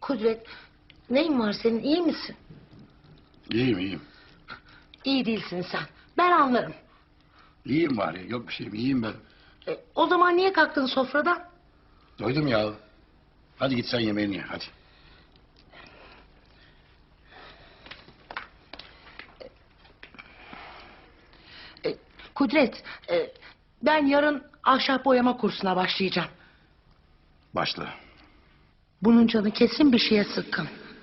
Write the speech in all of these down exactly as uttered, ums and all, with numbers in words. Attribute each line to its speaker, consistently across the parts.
Speaker 1: Kudret, neyin var senin, iyi misin?
Speaker 2: İyiyim iyiyim.
Speaker 1: İyi değilsin sen. Ben anlarım.
Speaker 2: İyiyim var ya, yok bir şeyim, iyiyim ben.
Speaker 1: E, o zaman niye kalktın sofradan?
Speaker 2: Doydum ya. Hadi git sen yemeğini ye, hadi.
Speaker 1: E, Kudret, e, ben yarın ahşap boyama kursuna başlayacağım.
Speaker 2: Başla.
Speaker 1: Bunun canı kesin bir şeye sıkkın.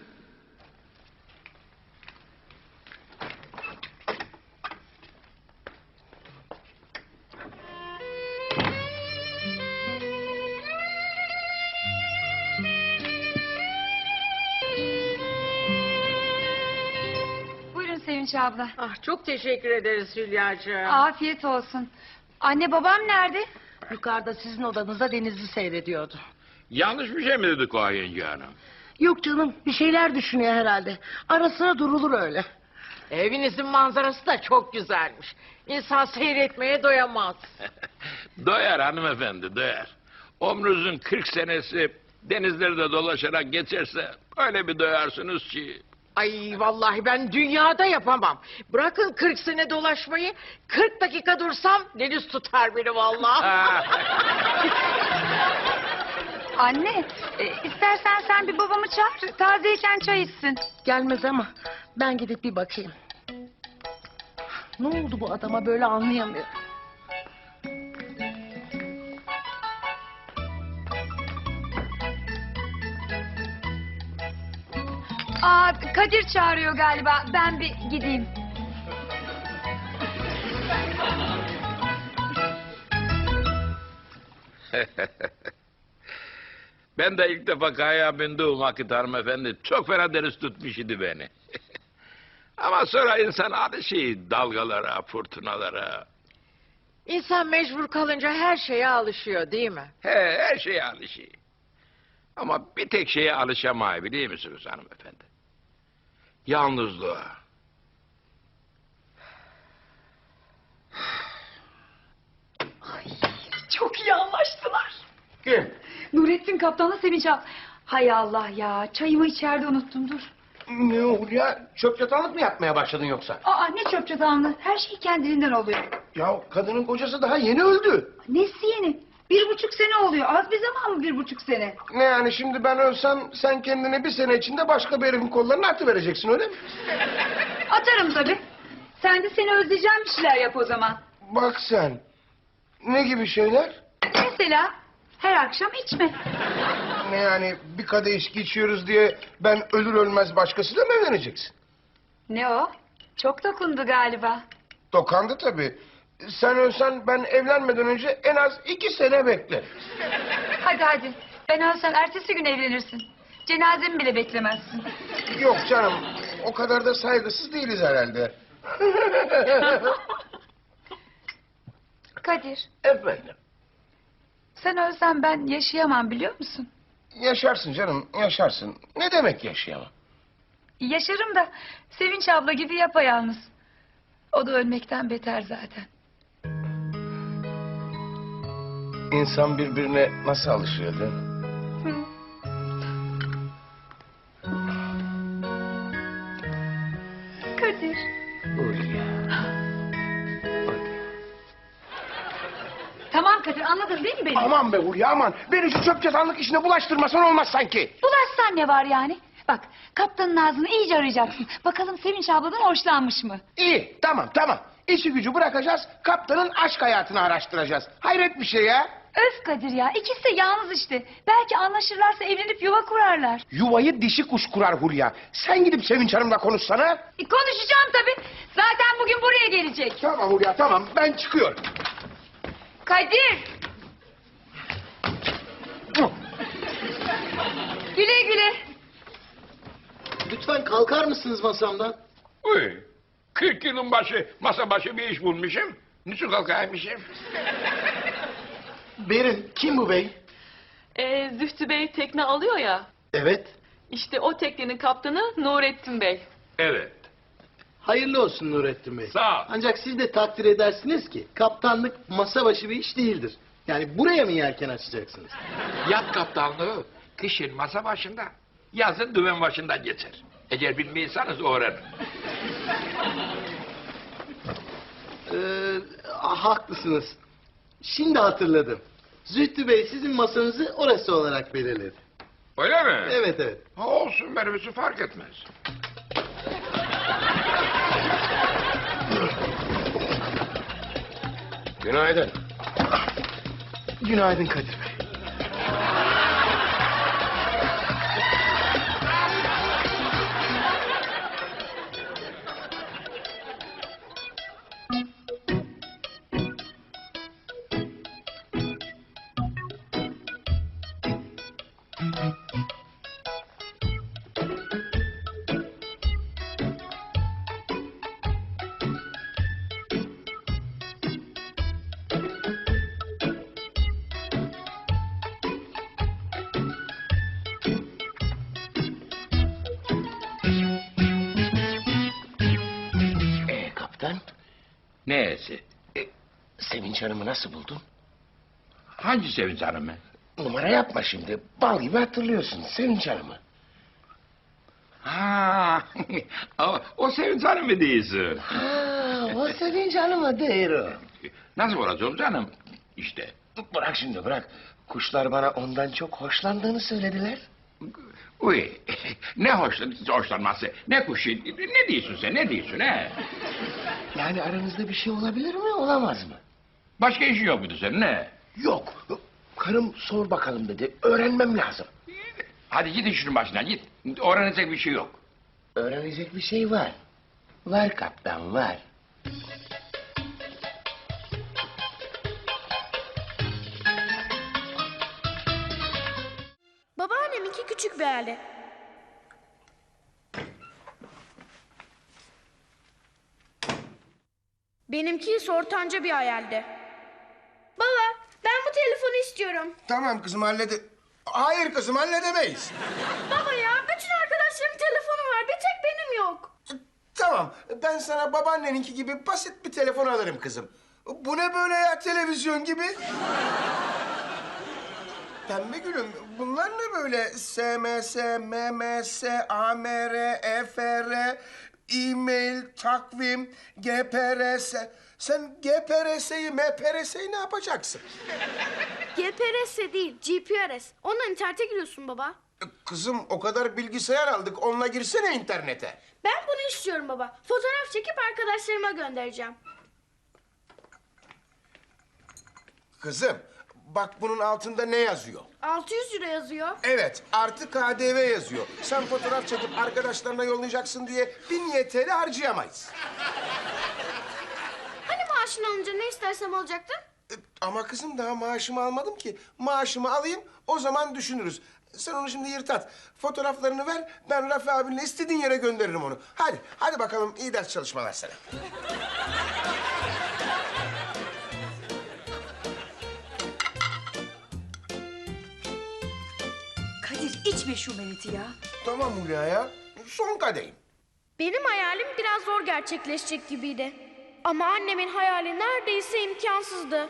Speaker 3: Buyurun Sevinç abla.
Speaker 4: Ah, çok teşekkür ederiz Hülyacığım.
Speaker 3: Afiyet olsun. Anne babam nerede?
Speaker 1: Yukarıda sizin odanızda denizi seyrediyordu.
Speaker 5: Yanlış bir şey mi dedik o yenge hanım?
Speaker 1: Yok canım, bir şeyler düşünüyor herhalde. Ara sıra durulur öyle.
Speaker 4: Evinizin manzarası da çok güzelmiş. İnsan seyretmeye doyamaz.
Speaker 5: Doyar hanımefendi, doyar. Ömrünüzün kırk senesi denizlerde dolaşarak geçerse öyle bir doyarsınız ki.
Speaker 4: Ay vallahi ben dünyada yapamam. Bırakın kırk sene dolaşmayı, kırk dakika dursam deniz tutar beni vallahi.
Speaker 3: Anne, e, istersen sen bir babamı çağır. Tazeyken çay içsin.
Speaker 1: Gelmez ama ben gidip bir bakayım. Ne oldu bu adama böyle anlayamıyorum.
Speaker 3: Aa, Kadir çağırıyor galiba. Ben bir gideyim.
Speaker 5: Ben de ilk defa kayaya bindiğim vakit hanımefendi çok fena deniz tutmuş idi beni. Ama sonra insan alışıyor dalgalara, fırtınalara.
Speaker 4: İnsan mecbur kalınca her şeye alışıyor değil mi?
Speaker 5: He, her şeye alışıyor. Ama bir tek şeye alışamayı biliyor musunuz hanımefendi? Yalnızlığa.
Speaker 3: Çok iyi anlaştılar.
Speaker 2: Kim?
Speaker 3: Nurettin kaptanla Sevinç abla. Hay Allah ya, çayımı içeride unuttum, dur.
Speaker 6: Ne oldu ya? Çöp çatanlık mı yapmaya başladın yoksa?
Speaker 3: Aa, ne çöp çatanlı. Her şey kendiliğinden oluyor.
Speaker 6: Ya kadının kocası daha yeni öldü.
Speaker 3: Nesi yeni? Bir buçuk sene oluyor. Az bir zaman mı bir buçuk sene?
Speaker 6: Ne yani şimdi ben ölsem sen kendini bir sene içinde başka bir herifin kollarına atıvereceksin öyle mi?
Speaker 3: Atarım tabii. Sen de seni özleyeceğim bir şeyler yap o zaman.
Speaker 6: Bak sen. Ne gibi şeyler?
Speaker 3: Mesela her akşam içme.
Speaker 6: Ne yani bir kadeh içki içiyoruz diye ben ölür ölmez başkasıyla mı evleneceksin?
Speaker 3: Ne o? Çok dokundu galiba.
Speaker 6: Dokandı tabii. Sen ölsen ben evlenmeden önce en az iki sene beklerim.
Speaker 3: Hadi hadi. Ben ölsem ertesi gün evlenirsin. Cenazemi bile beklemezsin.
Speaker 6: Yok canım o kadar da saygısız değiliz herhalde.
Speaker 3: Kadir,
Speaker 6: Efendim.
Speaker 3: sen ölsen ben yaşayamam biliyor musun?
Speaker 6: Yaşarsın canım yaşarsın. Ne demek yaşayamam?
Speaker 3: Yaşarım da Sevinç abla gibi yapayalnız. O da ölmekten beter zaten.
Speaker 6: İnsan birbirine nasıl alışıyor değil mi?
Speaker 3: Hı. Kadir. Tamam Kadir, anladın değil mi beni?
Speaker 6: Aman be Hulya aman. Beni şu çöp çatanlık işine bulaştırmasan olmaz sanki.
Speaker 3: Bulaşsan ne var yani? Bak, kaptanın ağzını iyice arayacaksın. Bakalım Sevinç abladan hoşlanmış mı?
Speaker 6: İyi tamam tamam. İşi gücü bırakacağız. Kaptanın aşk hayatını araştıracağız. Hayret bir şey ya.
Speaker 3: Öf Kadir ya, ikisi de yalnız işte. Belki anlaşırlarsa evlenip yuva kurarlar.
Speaker 6: Yuvayı dişi kuş kurar Hulya. Sen gidip Sevinç Hanım'la konuşsana.
Speaker 3: E, konuşacağım tabii. Zaten bugün buraya gelecek.
Speaker 6: Tamam Hulya tamam ben çıkıyorum.
Speaker 3: Kadir! Güle güle.
Speaker 7: Lütfen kalkar mısınız masamdan?
Speaker 5: Uy, kırk yılın başı masa başı bir iş bulmuşum. Niçin kalkaymışım?
Speaker 7: Berin, kim bu bey?
Speaker 8: Ee, Zühtü Bey tekne alıyor ya.
Speaker 7: Evet.
Speaker 8: İşte o teknenin kaptanı Nurettin Bey.
Speaker 5: Evet.
Speaker 7: Hayırlı olsun Nurettin Bey.
Speaker 5: Sağ ol.
Speaker 7: Ancak siz de takdir edersiniz ki kaptanlık masa başı bir iş değildir. Yani buraya mı yelken açacaksınız?
Speaker 5: Yat kaptanlığı kışın masa başında. Yazın dümen başından geçer. Eğer bilmiyorsanız öğrenin.
Speaker 7: Ee, haklısınız. Şimdi hatırladım. Zühtü Bey sizin masanızı orası olarak belirledi.
Speaker 5: Öyle mi?
Speaker 7: Evet evet.
Speaker 5: Ha, olsun benim için fark etmez.
Speaker 6: Günaydın.
Speaker 7: Günaydın Kadir Bey.
Speaker 6: Ee kaptan,
Speaker 5: Neyse.
Speaker 6: Sevinç Hanım'ı nasıl buldun?
Speaker 5: Hangi Sevinç Hanım'ı?
Speaker 6: Numara yapma şimdi. Bal gibi hatırlıyorsun Sevinç Hanım'ı.
Speaker 5: Ha, o, o Sevinç Hanım'ı değilsin.
Speaker 6: Ha, o Sevinç Hanım'ı değil o.
Speaker 5: Nasıl olacağım canım? İşte.
Speaker 6: Bırak şimdi bırak. Kuşlar bana ondan çok hoşlandığını söylediler.
Speaker 5: Uy, ne hoşlan hoşlanması, ne kuşu, ne diyorsun sen, ne diyorsun he?
Speaker 6: Yani aranızda bir şey olabilir mi, olamaz mı?
Speaker 5: Başka işin yok muydu senin ne?
Speaker 6: Yok. Karım sor bakalım dedi. Öğrenmem lazım.
Speaker 5: Hadi git işinin başına git, öğrenecek bir şey yok.
Speaker 6: Öğrenecek bir şey var. Var kaptan, var.
Speaker 9: Babaanneminki küçük bir aile. Benimki ise ortanca bir hayaldi. Baba, ben bu telefonu istiyorum.
Speaker 6: Tamam kızım hallede... Hayır kızım halledemeyiz.
Speaker 9: Baba ya, bütün arkadaşlarımın telefonu var. Bir tek benim yok.
Speaker 6: Tamam ben sana babaanneninki gibi basit bir telefon alırım kızım. Bu ne böyle ya televizyon gibi? Pembe gülüm bunlar ne böyle S M S, M M S, A M R, E F R, e-mail, takvim, G P R S. Sen G P R S'yi, M P R S'yi ne yapacaksın?
Speaker 9: G P R S değil, G P R S. Ondan internete giriyorsun baba.
Speaker 6: Kızım o kadar bilgisayar aldık onunla girsene internete.
Speaker 9: Ben bunu istiyorum baba. Fotoğraf çekip arkadaşlarıma göndereceğim.
Speaker 6: Kızım bak bunun altında ne yazıyor?
Speaker 9: altı yüz lira yazıyor.
Speaker 6: Evet, artı K D V yazıyor. Sen fotoğraf çekip arkadaşlarına yollayacaksın diye bin Y T L harcayamayız.
Speaker 9: Hani maaşını alınca ne istersem olacaktı?
Speaker 6: E, ama kızım daha maaşımı almadım ki. Maaşımı alayım, o zaman düşünürüz. Sen onu şimdi yırt at. Fotoğraflarını ver, ben Rafi abinle istediğin yere gönderirim onu. Hadi, hadi bakalım iyi ders çalışmalar sana.
Speaker 3: Kadir içme şu meleti ya.
Speaker 6: Tamam Hulya ya, son kadehim.
Speaker 9: Benim hayalim biraz zor gerçekleşecek gibiydi. Ama annemin hayali neredeyse imkansızdı.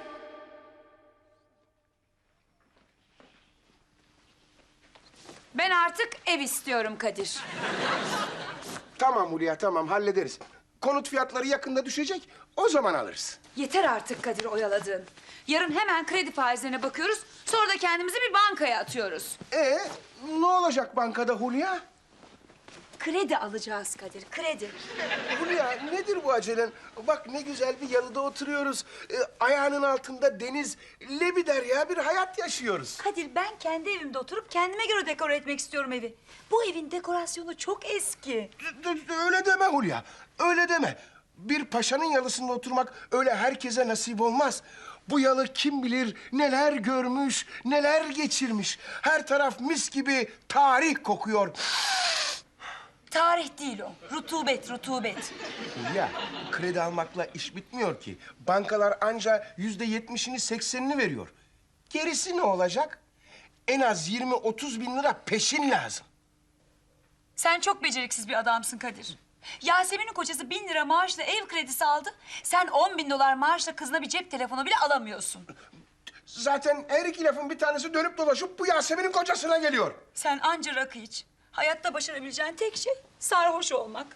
Speaker 3: Ben artık ev istiyorum Kadir.
Speaker 6: Tamam Hulya, tamam hallederiz. Konut fiyatları yakında düşecek, o zaman alırız.
Speaker 3: Yeter artık Kadir oyaladığın. Yarın hemen kredi faizlerine bakıyoruz. Sonra da kendimizi bir bankaya atıyoruz.
Speaker 6: Ee, ne olacak bankada Hulya?
Speaker 3: Kredi alacağız Kadir, kredi.
Speaker 6: Hulya nedir bu acelen? Bak ne güzel bir yalıda oturuyoruz. Ee, ayağının altında deniz, lebider ya bir hayat yaşıyoruz.
Speaker 3: Kadir ben kendi evimde oturup kendime göre dekore etmek istiyorum evi. Bu evin dekorasyonu çok eski.
Speaker 6: D- d- Öyle deme Hulya, öyle deme. Bir paşanın yalısında oturmak öyle herkese nasip olmaz. Bu yalı kim bilir neler görmüş, neler geçirmiş. Her taraf mis gibi tarih kokuyor.
Speaker 3: Tarih değil o, rutubet, rutubet.
Speaker 6: Ya kredi almakla iş bitmiyor ki. Bankalar anca yüzde yetmişini seksenini veriyor. Gerisi ne olacak? En az yirmi otuz bin lira peşin lazım.
Speaker 3: Sen çok beceriksiz bir adamsın Kadir. Yasemin'in kocası bin lira maaşla ev kredisi aldı. Sen on bin dolar maaşla kızına bir cep telefonu bile alamıyorsun.
Speaker 6: Zaten her iki lafın bir tanesi dönüp dolaşıp bu Yasemin'in kocasına geliyor.
Speaker 3: Sen anca rakı iç. Hayatta başarabileceğin tek şey sarhoş olmak.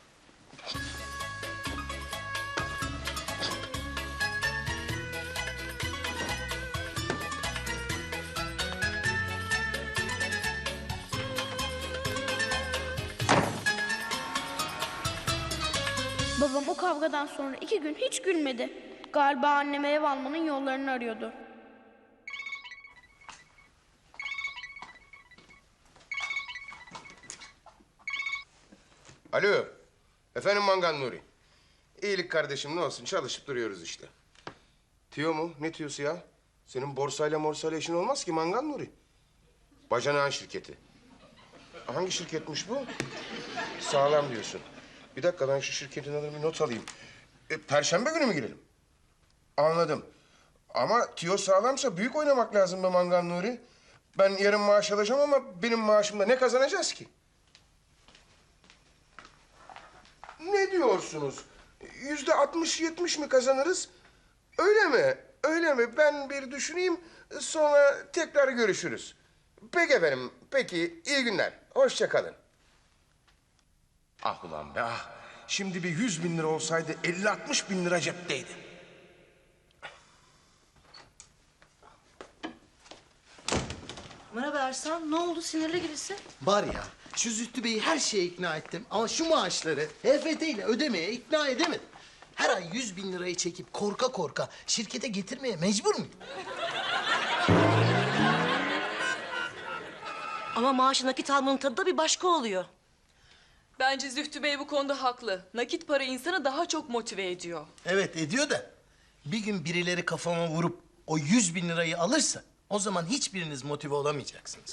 Speaker 9: Babam o kavgadan sonra iki gün hiç gülmedi. Galiba anneme ev almanın yollarını arıyordu.
Speaker 6: Alo. Efendim Mangan Nuri. İyilik kardeşim ne olsun çalışıp duruyoruz işte. Tüyo mu? Ne tüyosu ya? Senin borsayla morsayla işin olmaz ki Mangan Nuri. Bacanağın şirketi. Hangi şirketmiş bu? Sağlam diyorsun. Bir dakika ben şu şirketin adını bir not alayım. E, Perşembe günü mü girelim? Anladım. Ama tüyo sağlamsa büyük oynamak lazım be Mangan Nuri. Ben yarın maaş alacağım ama benim maaşımda ne kazanacağız ki? Ne diyorsunuz? Yüzde altmış yetmiş mi kazanırız? Öyle mi? Öyle mi? Ben bir düşüneyim sonra tekrar görüşürüz. Peki efendim. Peki iyi günler. Hoşça kalın. Ah ulan be ah. Şimdi bir yüz bin lira olsaydı elli altmış bin lira cepteydi.
Speaker 1: Merhaba Ersan, ne oldu sinirli gibisin?
Speaker 7: Var ya şu Zühtü Bey'i her şeye ikna ettim ama şu maaşları H F T ile ödemeye ikna edemedim. Her ay yüz bin lirayı çekip korka korka şirkete getirmeye mecbur muyum?
Speaker 1: Ama maaşı nakit almanın tadı da bir başka oluyor.
Speaker 8: Bence Zühtü Bey bu konuda haklı. Nakit para insanı daha çok motive ediyor.
Speaker 7: Evet ediyor da bir gün birileri kafama vurup o yüz bin lirayı alırsa o zaman hiçbiriniz motive olamayacaksınız.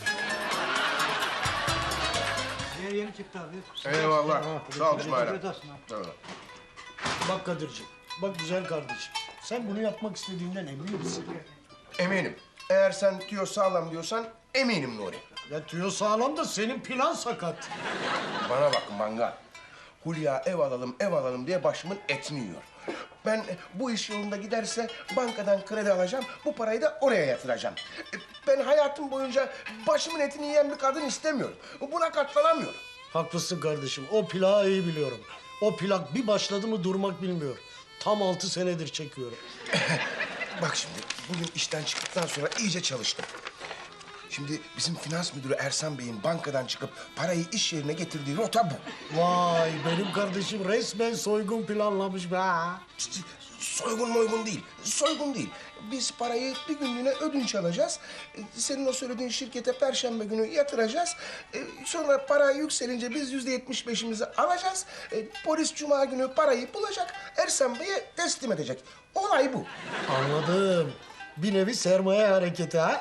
Speaker 10: Yeni çıktı abi.
Speaker 6: Eyvallah. Sağ ol İsmail.
Speaker 10: Afiyet olsun abi. Bak Kadir'ciğim, bak güzel kardeşim. Sen bunu yapmak istediğinden emin misin?
Speaker 6: Eminim. Eğer sen tüyo sağlam diyorsan eminim Nuri.
Speaker 10: Ya tüyo sağlam da senin plan sakat.
Speaker 6: Bana bak Mangal. Hulya ev alalım, ev alalım diye başımın etini yiyor. Ben bu iş yolunda giderse bankadan kredi alacağım, bu parayı da oraya yatıracağım. Ben hayatım boyunca başımın etini yiyen bir kadın istemiyorum. Buna katlanamıyorum.
Speaker 10: Haklısın kardeşim, o plağı iyi biliyorum. O plak bir başladı mı durmak bilmiyor. Tam altı senedir çekiyorum.
Speaker 6: Bak şimdi, bugün işten çıktıktan sonra iyice çalıştım. Şimdi bizim finans müdürü Ersan Bey'in bankadan çıkıp parayı iş yerine getirdiği rota bu.
Speaker 10: Vay benim kardeşim resmen soygun planlamış be.
Speaker 6: Soygun moygun değil, soygun değil. Biz parayı bir günlüğüne ödünç alacağız. Senin o söylediğin şirkete perşembe günü yatıracağız. Sonra para yükselince biz yüzde yetmiş beşimizi alacağız. Polis cuma günü parayı bulacak, Ersan Bey'e teslim edecek. Olay bu.
Speaker 10: Anladım. Bir nevi sermaye hareketi ha.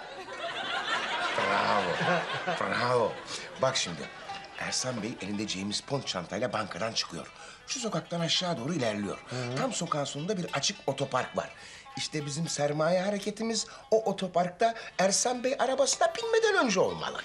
Speaker 6: Bravo, bravo. Bak şimdi, Ersan Bey elinde James Bond çantayla bankadan çıkıyor. Şu sokaktan aşağı doğru ilerliyor. Hı. Tam sokağın sonunda bir açık otopark var. İşte bizim sermaye hareketimiz o otoparkta Ersan Bey arabasına binmeden önce olmalı.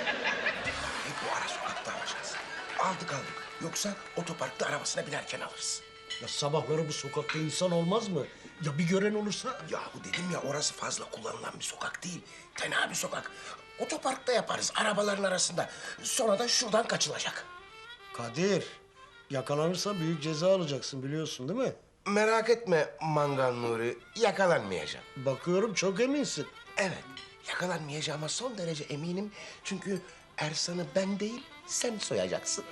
Speaker 6: E, bu ara sokakta alacağız. Aldık aldık. Yoksa otoparkta arabasına binerken alırız.
Speaker 10: Ya sabahları bu sokakta insan olmaz mı? Ya bir gören olursa?
Speaker 6: Yahu dedim ya orası fazla kullanılan bir sokak değil. Tenha bir sokak. Otoparkta yaparız arabaların arasında. Sonra da şuradan kaçılacak.
Speaker 10: Kadir, yakalanırsan büyük ceza alacaksın biliyorsun değil mi?
Speaker 6: Merak etme Mangan Nuri, yakalanmayacağım.
Speaker 10: Bakıyorum çok eminsin.
Speaker 6: Evet, yakalanmayacağıma son derece eminim. Çünkü Ersan'ı ben değil, sen soyacaksın.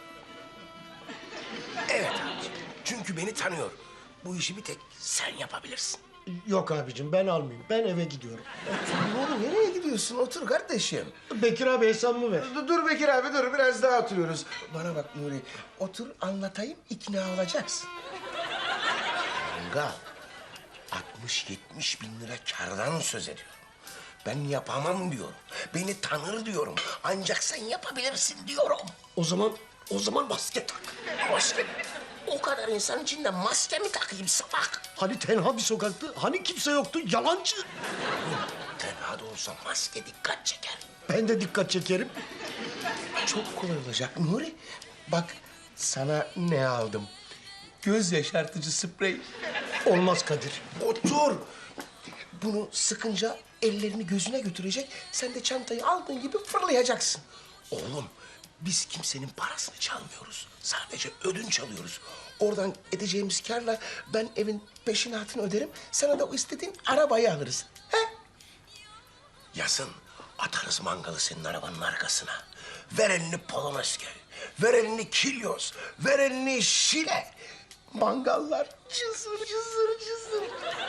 Speaker 6: Evet abiciğim, çünkü beni tanıyor. Bu işi bir tek sen yapabilirsin.
Speaker 10: Yok abicim ben almayayım. Ben eve gidiyorum.
Speaker 6: Otur oğlum, nereye gidiyorsun? Otur kardeşim.
Speaker 10: Bekir abi hesabımı ver.
Speaker 6: Dur, dur Bekir abi, dur. Biraz daha oturuyoruz. Bana bak Nuri, otur anlatayım, ikna olacaksın. Mangal, altmış yetmiş bin lira kardan söz ediyorum. Ben yapamam diyorum. Beni tanır diyorum. Ancak sen yapabilirsin diyorum.
Speaker 10: O zaman, o zaman maske tak.
Speaker 6: Maske mi? O kadar insan içinde maske mi takayım salak?
Speaker 10: Hani tenha bir sokaktı, hani kimse yoktu, yalancı.
Speaker 6: Tenha da olsa maske dikkat çeker.
Speaker 10: Ben de dikkat çekerim.
Speaker 6: Çok kolay olacak Nuri. Bak sana ne aldım. Göz yaşartıcı sprey.
Speaker 10: Olmaz Kadir.
Speaker 6: Otur. Bunu sıkınca ellerini gözüne götürecek. Sen de çantayı aldığın gibi fırlayacaksın. Oğlum Biz kimsenin parasını çalmıyoruz. Sadece ödünç alıyoruz. Oradan edeceğimiz kârla ben evin peşinatını öderim. Sana da o istediğin arabayı alırız. He? Yazın atarız mangalı senin arabanın arkasına. Ver elini Polonezköy, ver elini Kilyos, ver elini Şile. Mangallar cızır cızır cızır.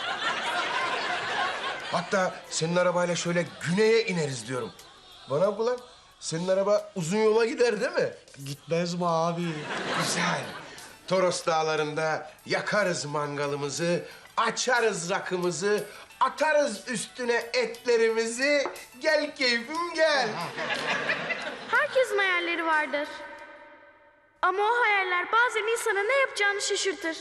Speaker 6: Hatta senin arabayla şöyle güneye ineriz diyorum. Bana bak ulan, senin araba uzun yola gider değil mi?
Speaker 10: Gitmez mi abi?
Speaker 6: Güzel. Toros dağlarında yakarız mangalımızı, açarız rakımızı, atarız üstüne etlerimizi. Gel keyfim gel.
Speaker 9: Herkesin hayalleri vardır. Ama o hayaller bazen insana ne yapacağını şaşırtır.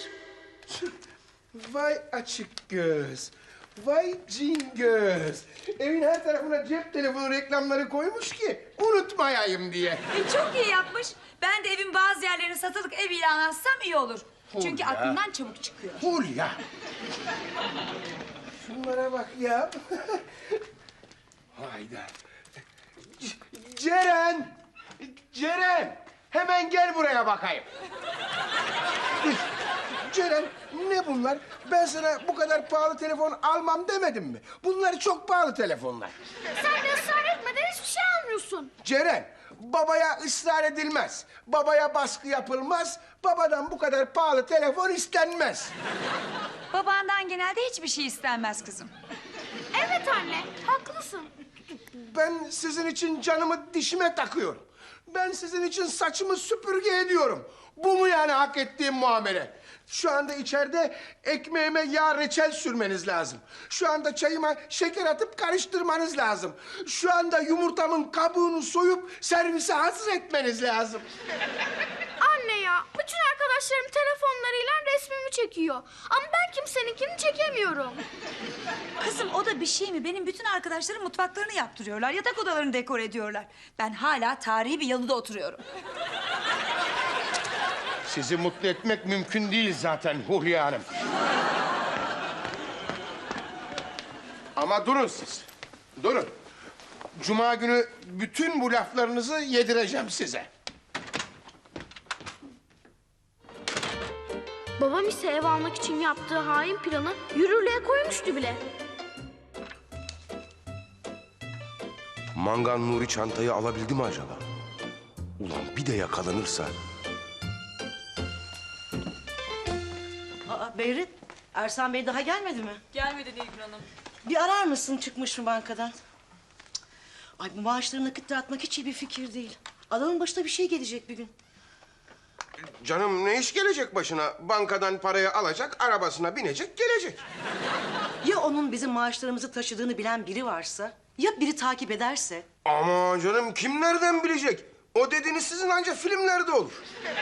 Speaker 6: Vay açık göz. Vay cin göz. Evin her tarafına cep telefonu reklamları koymuş ki unutmayayım diye.
Speaker 3: E, çok iyi yapmış. Ben de evin bazı yerlerini satılık ev ilan etsem iyi olur. Çünkü
Speaker 6: Hulya.
Speaker 3: aklımdan çabuk çıkıyor.
Speaker 6: Hulya. Şunlara bak ya. Hayda. C- Ceren. Ceren. Hemen gel buraya bakayım. Ceren, ne bunlar? Ben sana bu kadar pahalı telefon almam demedim mi? Bunlar çok pahalı telefonlar.
Speaker 9: Sen de ısrar etmeden hiçbir şey almıyorsun.
Speaker 6: Ceren, babaya ısrar edilmez. Babaya baskı yapılmaz. Babadan bu kadar pahalı telefon istenmez.
Speaker 3: Babandan genelde hiçbir şey istenmez kızım.
Speaker 9: Evet anne, haklısın.
Speaker 6: Ben sizin için canımı dişime takıyorum. Ben sizin için saçımı süpürge ediyorum. Bu mu yani hak ettiğim muamele? Şu anda içeride ekmeğime yağ reçel sürmeniz lazım. Şu anda çayıma şeker atıp karıştırmanız lazım. Şu anda yumurtamın kabuğunu soyup servise hazır etmeniz lazım.
Speaker 9: Anne ya, bütün arkadaşlarım telefonlarıyla resmimi çekiyor. Ama ben kimseninkini çekemiyorum.
Speaker 3: Kızım o da bir şey mi? Benim bütün arkadaşlarım mutfaklarını yaptırıyorlar. Yatak odalarını dekor ediyorlar. Ben hala tarihi bir yalıda oturuyorum.
Speaker 6: Sizi mutlu etmek mümkün değil zaten Hulya Hanım. Ama durun siz. Durun. Cuma günü bütün bu laflarınızı yedireceğim size.
Speaker 9: Babam ise ev almak için yaptığı hain planı yürürlüğe koymuştu bile.
Speaker 6: Mangan Nuri çantayı alabildi mi acaba? Ulan bir de yakalanırsa...
Speaker 11: Aa, Behrit, Ersan Bey daha gelmedi mi?
Speaker 8: Gelmedi Nilgün Hanım.
Speaker 11: Bir arar mısın çıkmış mı bankadan? Cık. Ay bu maaşları nakit dağıtmak hiç iyi bir fikir değil. Adamın başına bir şey gelecek bir gün.
Speaker 6: Canım ne iş gelecek başına? Bankadan parayı alacak, arabasına binecek, gelecek.
Speaker 11: Ya onun bizim maaşlarımızı taşıdığını bilen biri varsa? Ya biri takip ederse?
Speaker 6: Ama canım kim nereden bilecek? O dediğiniz sizin ancak filmlerde olur.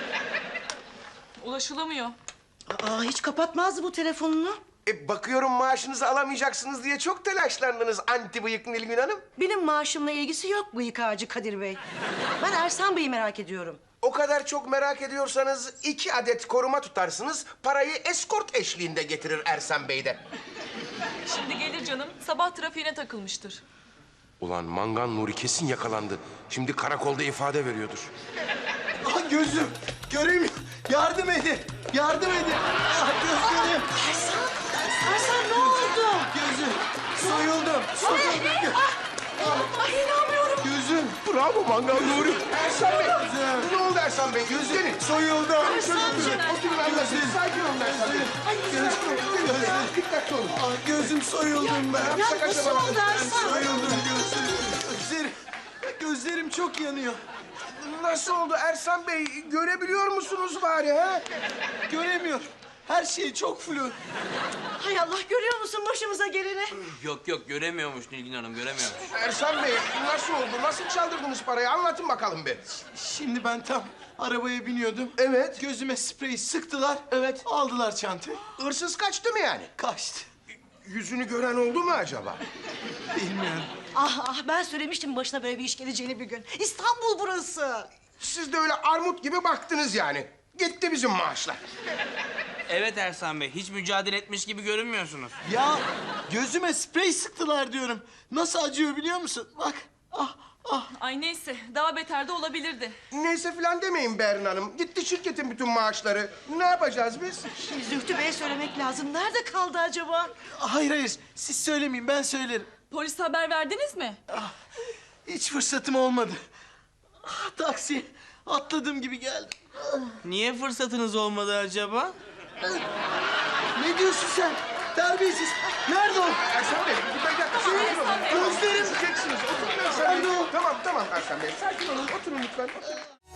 Speaker 8: Ulaşılamıyor.
Speaker 11: Aa, hiç kapatmazdı bu telefonunu.
Speaker 6: E, bakıyorum maaşınızı alamayacaksınız diye çok telaşlandınız anti bıyık Nilgün Hanım.
Speaker 11: Benim maaşımla ilgisi yok bıyık ağacı Kadir Bey. Ben Ersan Bey'i merak ediyorum.
Speaker 6: O kadar çok merak ediyorsanız iki adet koruma tutarsınız. Parayı eskort eşliğinde getirir Ersan Bey de.
Speaker 8: Şimdi gelir canım. Sabah trafiğine takılmıştır.
Speaker 6: Ulan Mangan Nuri kesin yakalandı. Şimdi karakolda ifade veriyordur.
Speaker 7: Ah gözüm, göremiyorum. Yardım edin, yardım edin. Ah gözlerim.
Speaker 11: Ersan, Ersan ne oldu?
Speaker 7: Gözüm, soyuldum, soyuldum.
Speaker 11: Ay inanmıyorum.
Speaker 7: Gözüm,
Speaker 6: Bravo Mangan Nuri. Ersan Bey.
Speaker 7: Gözüm.
Speaker 6: Ne oldu Ersan Bey? Gözlerin.
Speaker 7: soyuldum.
Speaker 6: Oturun, oturun anlasın. Sakin olun Ersan Bey. Gözlerim. Dikkatli olun.
Speaker 7: Ah gözüm soyuldum ben.
Speaker 11: Ya nasıl oldu Ersan?
Speaker 7: Soyuldum gözlerim. Gözlerim, gözlerim çok yanıyor.
Speaker 6: Nasıl oldu Ersan Bey? Görebiliyor musunuz bari ha?
Speaker 7: Göremiyorum. Her şey çok flu.
Speaker 11: Hay Allah görüyor musun başımıza geleni?
Speaker 12: Yok yok göremiyormuş Nilgün Hanım göremiyormuş.
Speaker 6: Ersan Bey nasıl oldu? Nasıl çaldırdınız parayı? Anlatın bakalım bir.
Speaker 7: Şimdi ben tam arabaya biniyordum.
Speaker 6: Evet.
Speaker 7: Gözüme sprey sıktılar.
Speaker 6: Evet.
Speaker 7: Aldılar çantayı.
Speaker 6: Hırsız kaçtı mı yani?
Speaker 7: Kaçtı.
Speaker 6: Yüzünü gören oldu mu acaba?
Speaker 7: Bilmiyorum.
Speaker 11: Ah ah ben söylemiştim başına böyle bir iş geleceğini bir gün. İstanbul burası.
Speaker 6: Siz de öyle armut gibi baktınız yani. Gitti bizim maaşlar.
Speaker 12: Evet Ersan Bey hiç mücadele etmiş gibi görünmüyorsunuz.
Speaker 7: Ya gözüme sprey sıktılar diyorum. Nasıl acıyor biliyor musun? Bak. Ah
Speaker 8: Ay neyse daha beter de olabilirdi.
Speaker 6: Neyse filan demeyin Berin Hanım. Gitti şirketin bütün maaşları. Ne yapacağız biz?
Speaker 11: Zühtü Bey'e söylemek lazım. Nerede kaldı acaba?
Speaker 7: Hayır hayır siz söylemeyin ben söylerim.
Speaker 8: Polise haber verdiniz mi?
Speaker 7: Hiç fırsatım olmadı. Ah, taksi atladığım gibi geldim.
Speaker 12: Niye fırsatınız olmadı acaba?
Speaker 7: Ne diyorsun sen? Terbiyesiz. Nerede o?
Speaker 6: Ersan Bey, bir dakika. Sakin olun.
Speaker 7: Gözlerim.
Speaker 6: Düşeceksiniz. Oturun Ersan Bey. Tamam, tamam Ersan Bey. Sakin olun. Oturun lütfen. Oturun.